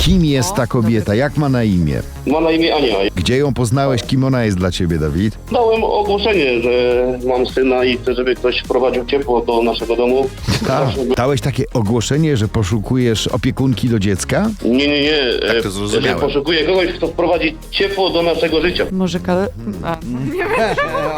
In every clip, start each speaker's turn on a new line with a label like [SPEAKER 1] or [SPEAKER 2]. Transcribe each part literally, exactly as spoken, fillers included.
[SPEAKER 1] Kim jest ta kobieta? Jak ma na imię?
[SPEAKER 2] Ma na imię Ania.
[SPEAKER 1] Gdzie ją poznałeś? Kim ona jest dla ciebie, Dawid?
[SPEAKER 2] Dałem ogłoszenie, że mam syna i chcę, żeby ktoś wprowadził ciepło do naszego domu.
[SPEAKER 1] Ta, dałeś takie ogłoszenie, że poszukujesz opiekunki do dziecka?
[SPEAKER 2] Nie, nie, nie.
[SPEAKER 1] Tak to
[SPEAKER 2] e,
[SPEAKER 1] zrozumiałem.
[SPEAKER 2] że poszukuję kogoś, kto wprowadzi ciepło do naszego życia.
[SPEAKER 3] Może kale... A, nie wiem.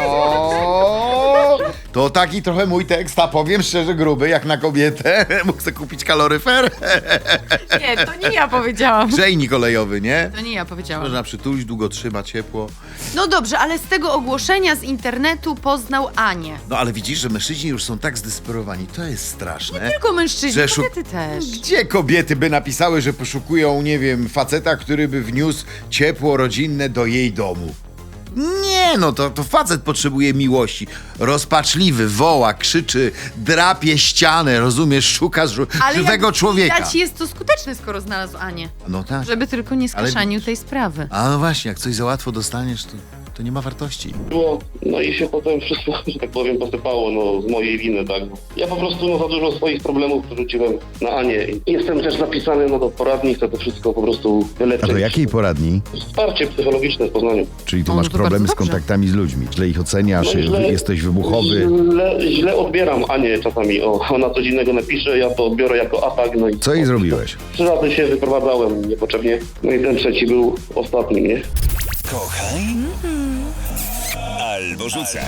[SPEAKER 1] O, to taki trochę mój tekst, a powiem szczerze, gruby, jak na kobietę. Mógł sobie kupić kaloryfer.
[SPEAKER 3] Nie, to nie ja powiedziałam.
[SPEAKER 1] Grzejnik olejowy, nie?
[SPEAKER 3] To nie ja powiedziałam.
[SPEAKER 1] Można przytulić, długo trzyma ciepło.
[SPEAKER 3] No dobrze, ale z tego ogłoszenia z internetu poznał Anię.
[SPEAKER 1] No ale widzisz, że mężczyźni już są tak zdesperowani, to jest straszne.
[SPEAKER 3] Tylko mężczyźni,
[SPEAKER 1] Że szu-
[SPEAKER 3] kobiety też.
[SPEAKER 1] Gdzie kobiety by napisały, że poszukują, nie wiem, faceta, który by wniósł ciepło rodzinne do jej domu? Nie, no to, to facet potrzebuje miłości. Rozpaczliwy, woła, krzyczy, drapie ścianę, rozumiesz, szuka żu-
[SPEAKER 3] Ale
[SPEAKER 1] żywego
[SPEAKER 3] jak
[SPEAKER 1] człowieka.
[SPEAKER 3] widać, jest to skuteczne, skoro znalazł Anię.
[SPEAKER 1] No tak.
[SPEAKER 3] Żeby tylko nie
[SPEAKER 1] Ale
[SPEAKER 3] skaszanił
[SPEAKER 1] widzisz.
[SPEAKER 3] tej sprawy.
[SPEAKER 1] A no właśnie, jak coś za łatwo dostaniesz, to, to nie ma wartości.
[SPEAKER 2] Było, no i się potem wszystko, że tak powiem, posypało, no z mojej winy, tak. Ja po prostu no, za dużo swoich problemów przerzuciłem na Anię. I jestem też zapisany no, do poradni, chcę to wszystko po prostu wyleczyć.
[SPEAKER 1] A do jakiej poradni?
[SPEAKER 2] Wsparcie psychologiczne w Poznaniu.
[SPEAKER 1] Czyli tu
[SPEAKER 3] O, no
[SPEAKER 1] masz
[SPEAKER 3] to
[SPEAKER 1] problemy
[SPEAKER 3] bardzo
[SPEAKER 1] z
[SPEAKER 3] dobrze.
[SPEAKER 1] kontaktami z ludźmi. Źle ich oceniasz,
[SPEAKER 2] No, źle-
[SPEAKER 1] jesteś wybuchowy.
[SPEAKER 2] Źle, źle odbieram Anię czasami. O, ona coś innego napisze, ja to odbiorę jako atak. No i
[SPEAKER 1] Co jej zrobiłeś?
[SPEAKER 2] Trzy razy się wyprowadzałem niepotrzebnie. No i ten trzeci był ostatnim, nie?
[SPEAKER 4] Kochaj albo rzucaj.